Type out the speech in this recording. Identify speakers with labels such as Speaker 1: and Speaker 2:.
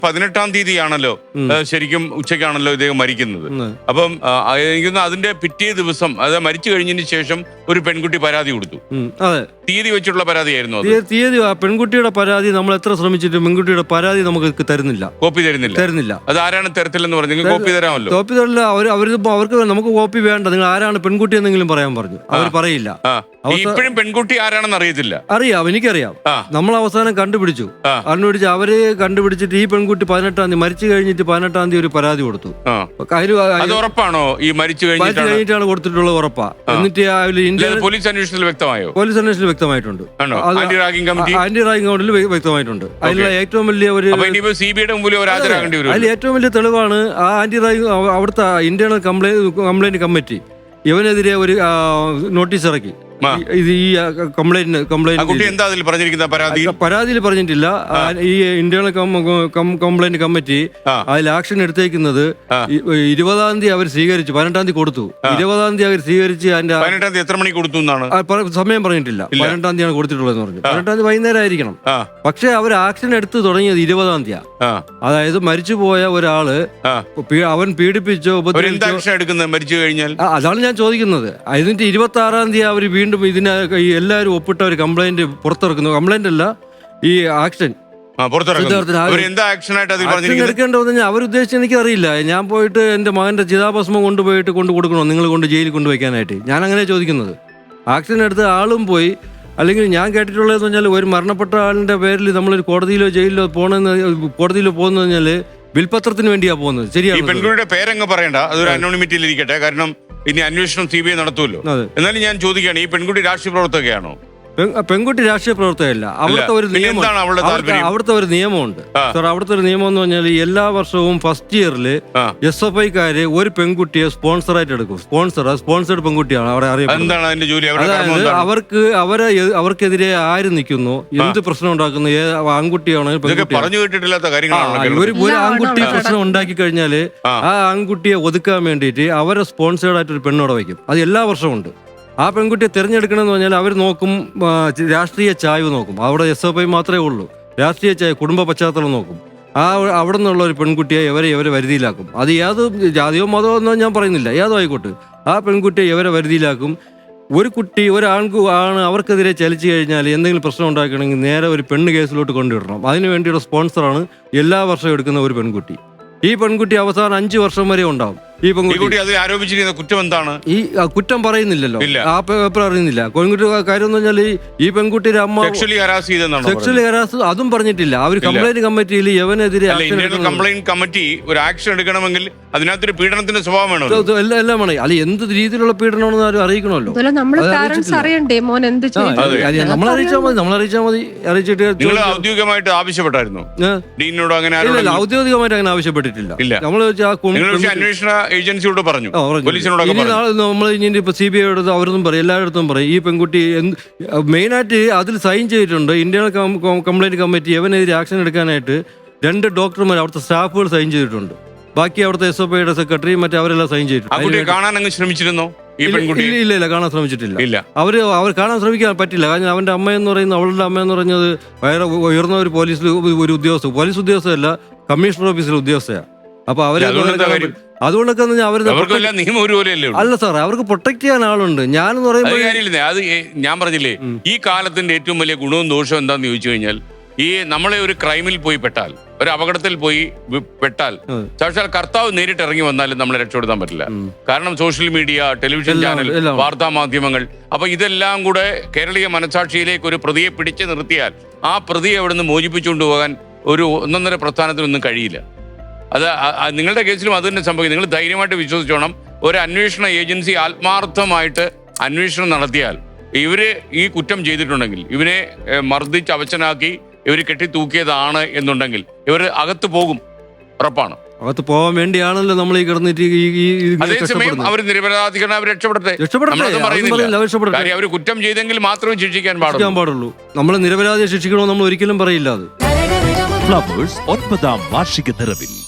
Speaker 1: 18-ാം തീയതിയാണല്ലോ ശരിക്കും ഉച്ചയ്ക്കാണല്ലോ ഇദ്ദേഹം മരിക്കുന്നത്. അപ്പം എനിക്കൊന്ന് അതിന്റെ പിറ്റേ ദിവസം, അതായത് മരിച്ചു കഴിഞ്ഞതിന് ശേഷം ഒരു പെൺകുട്ടി പരാതി കൊടുത്തു.
Speaker 2: അതെ,
Speaker 1: തീയതി വെച്ചിട്ടുള്ള പരാതിയായിരുന്നു അത്.
Speaker 2: തീയതി പെൺകുട്ടിയുടെ പരാതി നമ്മൾ എത്ര ശ്രമിച്ചിട്ടും പെൺകുട്ടിയുടെ പരാതി നമുക്ക് തരുന്നില്ല,
Speaker 1: കോപ്പി തരുന്നില്ല. അത് ആരാണ് തരത്തില്ലെന്ന് പറഞ്ഞു? നിങ്ങൾ കോപ്പി തരാമല്ലോ.
Speaker 2: കോപ്പി തരില്ല. അവർക്ക് നമുക്ക് കോപ്പി വേണ്ട, നിങ്ങൾ ആരാണ് പെൺകുട്ടി എന്തെങ്കിലും പറയാൻ പറഞ്ഞു. അവർ പറയില്ല.
Speaker 1: ഇപ്പോഴും പെൺകുട്ടി ആരാണെന്ന് അറിയത്തില്ല.
Speaker 2: അറിയാം, എനിക്കറിയാം. നമ്മൾ അവസാനം കണ്ടുപിടിച്ചു. അവര് കണ്ടുപിടിച്ചിട്ട് ഈ പെൺകുട്ടി 18-ാം തീയതി മരിച്ചു കഴിഞ്ഞിട്ട് 18-ാം തീയതി ഒരു പരാതി കൊടുത്തു.
Speaker 1: ഉറപ്പാണോ ഈ മരിച്ചു
Speaker 2: കഴിഞ്ഞിട്ടാണ് കൊടുത്തിട്ടുള്ളത്? ഉറപ്പാ. എന്നിട്ട്
Speaker 1: പോലീസ് അന്വേഷണത്തിൽ വ്യക്തമായോ?
Speaker 2: പോലീസ് അന്വേഷണത്തിൽ വ്യക്തമായിട്ടുണ്ട്. ആന്റി റാഗിംഗ് കമ്മിറ്റിയിൽ വ്യക്തമായിട്ടുണ്ട്. അതിലുള്ള ഏറ്റവും വലിയ അതിൽ ഏറ്റവും വലിയ തെളിവാണ് ആ ആന്റി റാഗിംഗ്. അവിടുത്തെ ഇന്റേണൽ കംപ്ലൈന്റ് കമ്മിറ്റി ഇവനെതിരെ ഒരു നോട്ടീസ് ഇറക്കി. പരാതിയിൽ പറഞ്ഞിട്ടില്ല. ഈ ഇന്റേണൽ കംപ്ലൈന്റ് കമ്മിറ്റി അതിൽ ആക്ഷൻ എടുത്തേക്കുന്നത് 20-ാം തീയതി അവർ സ്വീകരിച്ചു. 18-ാം തീയതി കൊടുത്തു. 20-ാം തീയതി അവർ സ്വീകരിച്ച് അതിന്റെ
Speaker 1: എത്ര മണിക്ക് കൊടുത്തു
Speaker 2: സമയം പറഞ്ഞിട്ടില്ല. 18-ാം തീയതിയാണ് കൊടുത്തിട്ടുള്ളതെന്ന് പറഞ്ഞു. 18-ാം തീയതി വൈകുന്നേരം ആയിരിക്കണം. പക്ഷെ അവർ ആക്ഷൻ എടുത്ത് തുടങ്ങിയത് 20-ാം തീയതി. അതായത് മരിച്ചുപോയ ഒരാള് അവൻ പീഡിപ്പിച്ചോ
Speaker 1: മരിച്ചു കഴിഞ്ഞാൽ,
Speaker 2: അതാണ് ഞാൻ ചോദിക്കുന്നത്. അതിന്റെ 26-ാം തീയതി അവർ വീണ്ടും ഇതിന് എല്ലാവരും ഒപ്പിട്ട ഒരു കംപ്ലൈന്റ് പുറത്തിറക്കുന്നു. കംപ്ലൈന്റ് അല്ല, ഈ ആക്ഷൻ എടുക്കേണ്ടതെന്ന് അവരുദ്ദേശിച്ച് എനിക്കറിയില്ല. ഞാൻ പോയിട്ട് എന്റെ മകന്റെ ചിതാഭസ്മം കൊണ്ടുപോയിട്ട് കൊടുക്കണോ, നിങ്ങൾ കൊണ്ട് ജയിലിൽ കൊണ്ടുവയ്ക്കാനായിട്ട്? ഞാൻ അങ്ങനെ ചോദിക്കുന്നത്. ആക്ഷൻ എടുത്ത ആളും പോയി. അല്ലെങ്കിൽ ഞാൻ കേട്ടിട്ടുള്ളതെന്ന് പറഞ്ഞാൽ ഒരു മരണപ്പെട്ട ആളിന്റെ പേരിൽ നമ്മളൊരു കോടതിയിലോ ജയിലിലോ കോടതിയിലോ പോകുന്നത് പറഞ്ഞാൽ വിൽപത്രത്തിന് വേണ്ടിയാ പോകുന്നത്. ശരിയാണ്.
Speaker 1: പെൺകുട്ടിയുടെ പേരങ്ങ് പറയണ്ട, അതൊരു അനോണിമിറ്റിയിൽ ഇരിക്കട്ടെ. കാരണം ഇനി അന്വേഷണം CBI നടത്തുമല്ലോ. എന്നാലും ഞാൻ ചോദിക്കുകയാണ്, ഈ പെൺകുട്ടി രാഷ്ട്രീയ പ്രവർത്തകയാണോ?
Speaker 2: പെൺകുട്ടി രാഷ്ട്രീയ പ്രവർത്തകയല്ല. അവിടുത്തെ ഒരു നിയമമുണ്ട് സാർ. അവിടുത്തെ ഒരു നിയമം എന്ന് പറഞ്ഞാൽ എല്ലാ വർഷവും ഫസ്റ്റ് ഇയറിൽ SFIക്കാര് ഒരു പെൺകുട്ടിയെ സ്പോൺസറായിട്ട് എടുക്കും. സ്പോൺസേഡ് പെൺകുട്ടിയാണ് അവിടെ അറിയപ്പെടുന്നത്. അതായത് അവർക്കെതിരെ ആര് നിൽക്കുന്നു, എന്ത് പ്രശ്നം ഉണ്ടാക്കുന്നു, ആൺകുട്ടിയാണോ ഒരു ആൺകുട്ടി പ്രശ്നം ഉണ്ടാക്കി കഴിഞ്ഞാല് ആ ആൺകുട്ടിയെ ഒതുക്കാൻ വേണ്ടിയിട്ട് അവരെ സ്പോൺസേഡ് ആയിട്ട് ഒരു പെണ്ണോടെ വയ്ക്കും. അത് എല്ലാ വർഷവും ഉണ്ട്. ആ പെൺകുട്ടിയെ തിരഞ്ഞെടുക്കണമെന്ന് പറഞ്ഞാൽ അവർ നോക്കും, രാഷ്ട്രീയ ചായ്വ് നോക്കും. അവിടെ SFI മാത്രമേ ഉള്ളൂ. രാഷ്ട്രീയ ചായ്വ്, കുടുംബ പശ്ചാത്തലം നോക്കും. അവിടെ നിന്നുള്ള ഒരു പെൺകുട്ടിയെ ഇവരെ വരുതിയിലാക്കും. അത് ഏത് ജാതിയോ മതമോ എന്നോ ഞാൻ പറയുന്നില്ല, ഏതോ ആയിക്കോട്ടെ. ആ പെൺകുട്ടിയെ ഇവരെ വരുതിയിലാക്കും. ഒരു കുട്ടി ആണ് അവർക്കെതിരെ ചലിച്ചു കഴിഞ്ഞാൽ എന്തെങ്കിലും പ്രശ്നം ഉണ്ടാക്കണമെങ്കിൽ നേരെ ഒരു പെണ്ണ് കേസിലോട്ട് കൊണ്ടുവിടണം. അതിനു വേണ്ടിയുള്ള സ്പോൺസറാണ് എല്ലാ വർഷവും എടുക്കുന്ന ഒരു പെൺകുട്ടി. ഈ പെൺകുട്ടി അവസാനം 5 വർഷം വരെ ഉണ്ടാവും. ഈ പെൺകുട്ടി
Speaker 1: ആരോപിച്ചിരിക്കുന്ന കുറ്റം എന്താണ്?
Speaker 2: ഈ കുറ്റം പറയുന്നില്ലല്ലോ, ആ പേപ്പർ അറിയുന്നില്ല. പെൺകുട്ടി കാര്യം എന്ന് പറഞ്ഞാൽ ഈ പെൺകുട്ടിയുടെ അമ്മ സെക്ഷലി ഹരാസ് അതും പറഞ്ഞിട്ടില്ല. അവർ കംപ്ലൈന്റ് കമ്മിറ്റിയിൽ യവനെതിരെ
Speaker 1: കംപ്ലൈന്റ് കമ്മിറ്റി ഒരു ആക്ഷൻ എടുക്കണമെങ്കിൽ അതിനകത്തൊരു പീഡനത്തിന്റെ സ്വഭാവം വേണം.
Speaker 2: എല്ലാം വേണം. അല്ലെ എന്ത് രീതിയിലുള്ള പീഡനമാണെന്ന് ആരും അറിയിക്കണമല്ലോ. നമ്മളറിയിച്ചാൽ മതി. അറിയിച്ചിട്ട്
Speaker 1: ഔദ്യോഗികമായിട്ട് ആവശ്യപ്പെട്ടായിരുന്നു?
Speaker 2: ഔദ്യോഗികമായിട്ട് അങ്ങനെ ആവശ്യപ്പെട്ടിട്ടില്ല. നമ്മൾ
Speaker 1: അന്വേഷണ ഏജൻസിയോട് പറഞ്ഞു,
Speaker 2: നമ്മൾ ഇനി ഇപ്പൊ CBI അവരൊന്നും പറയും, എല്ലായിടത്തും പറയും ഈ പെൺകുട്ടി മെയിനായിട്ട് അതിൽ സൈൻ ചെയ്തിട്ടുണ്ട്. ഇന്റേണൽ കംപ്ലൈന്റ് കമ്മിറ്റി എവനെതിരെ ആക്ഷൻ എടുക്കാനായിട്ട് 2 ഡോക്ടർമാർ അവിടുത്തെ സ്റ്റാഫുകൾ സൈൻ ചെയ്തിട്ടുണ്ട്. ബാക്കി അവിടുത്തെ SFIയുടെ സെക്രട്ടറി മറ്റേ അവരെല്ലാം സൈൻ ചെയ്തിട്ടുണ്ട്.
Speaker 1: ശ്രമിച്ചിരുന്നോ?
Speaker 2: ഇല്ല, കാണാൻ ശ്രമിച്ചിട്ടില്ല. അവർ കാണാൻ ശ്രമിക്കാൻ പറ്റില്ല. കാരണം അവന്റെ അമ്മയെന്ന് പറയുന്നത്, അവളുടെ അമ്മയെന്ന് പറഞ്ഞത് വേറെ ഉയർന്ന ഒരു പോലീസ് ഉദ്യോഗസ്ഥയല്ല, കമ്മീഷണർ ഓഫീസിലെ ഉദ്യോഗസ്ഥയാണ്. അപ്പൊ അവര് അതുകൊണ്ടൊക്കെ അല്ല സാർ, അവർക്ക് പ്രൊട്ടക്ട് ചെയ്യാൻ ആളുണ്ട്. ഞാനെന്ന് പറയുമ്പോൾ
Speaker 1: അത് ഞാൻ പറഞ്ഞില്ലേ, ഈ കാലത്തിന്റെ ഏറ്റവും വലിയ ഗുണവും ദോഷവും എന്താന്ന് ചോദിച്ചു കഴിഞ്ഞാൽ, ഈ നമ്മളെ ഒരു ക്രൈമിൽ പോയി പെട്ടാൽ, ഒരു അപകടത്തിൽ പോയി പെട്ടാൽ, സാക്ഷാൽ കർത്താവ് നേരിട്ട് ഇറങ്ങി വന്നാലും നമ്മളെ രക്ഷപ്പെടുത്താൻ പറ്റില്ല. കാരണം സോഷ്യൽ മീഡിയ, ടെലിവിഷൻ ചാനൽ, വാർത്താ മാധ്യമങ്ങൾ, അപ്പൊ ഇതെല്ലാം കൂടെ കേരളീയ മനസാക്ഷിയിലേക്ക് ഒരു പ്രതിയെ പിടിച്ചു നിർത്തിയാൽ ആ പ്രതിയെ അവിടെ നിന്ന് മോചിപ്പിച്ചുകൊണ്ട് പോകാൻ ഒരു 1.5 പ്രസ്ഥാനത്തിനൊന്നും കഴിയില്ല. അത് നിങ്ങളുടെ കേസിലും അത് തന്നെ സംഭവിക്കും. നിങ്ങൾ ധൈര്യമായിട്ട് വിശ്വസിച്ചോണം. ഒരു അന്വേഷണ ഏജൻസി ആത്മാർത്ഥമായിട്ട് അന്വേഷണം നടത്തിയാൽ ഇവര് ഈ കുറ്റം ചെയ്തിട്ടുണ്ടെങ്കിൽ, ഇവനെ മർദ്ദിച്ച് അവശനാക്കി ഇവർ കെട്ടിത്തൂക്കിയതാണ് എന്നുണ്ടെങ്കിൽ ഇവർ അകത്ത് പോകും, ഉറപ്പാണ്.
Speaker 2: അകത്ത് പോകാൻ വേണ്ടിയാണല്ലോ നമ്മൾ ഈ കിടന്നിട്ട്
Speaker 1: അതേസമയം അവർ നിരപരാധികളെ അവർ രക്ഷപ്പെടട്ടെ. അവർ കുറ്റം ചെയ്തെങ്കിൽ മാത്രമേ ശിക്ഷിക്കാൻ പാടുള്ളൂ.
Speaker 2: നമ്മൾ നിരപരാധിയെ ശിക്ഷിക്കണമെന്ന് നമ്മൾ ഒരിക്കലും പറയില്ല. അത്
Speaker 3: ഫ്ലവേഴ്സ് 9ാം വാർഷിക നിറവിൽ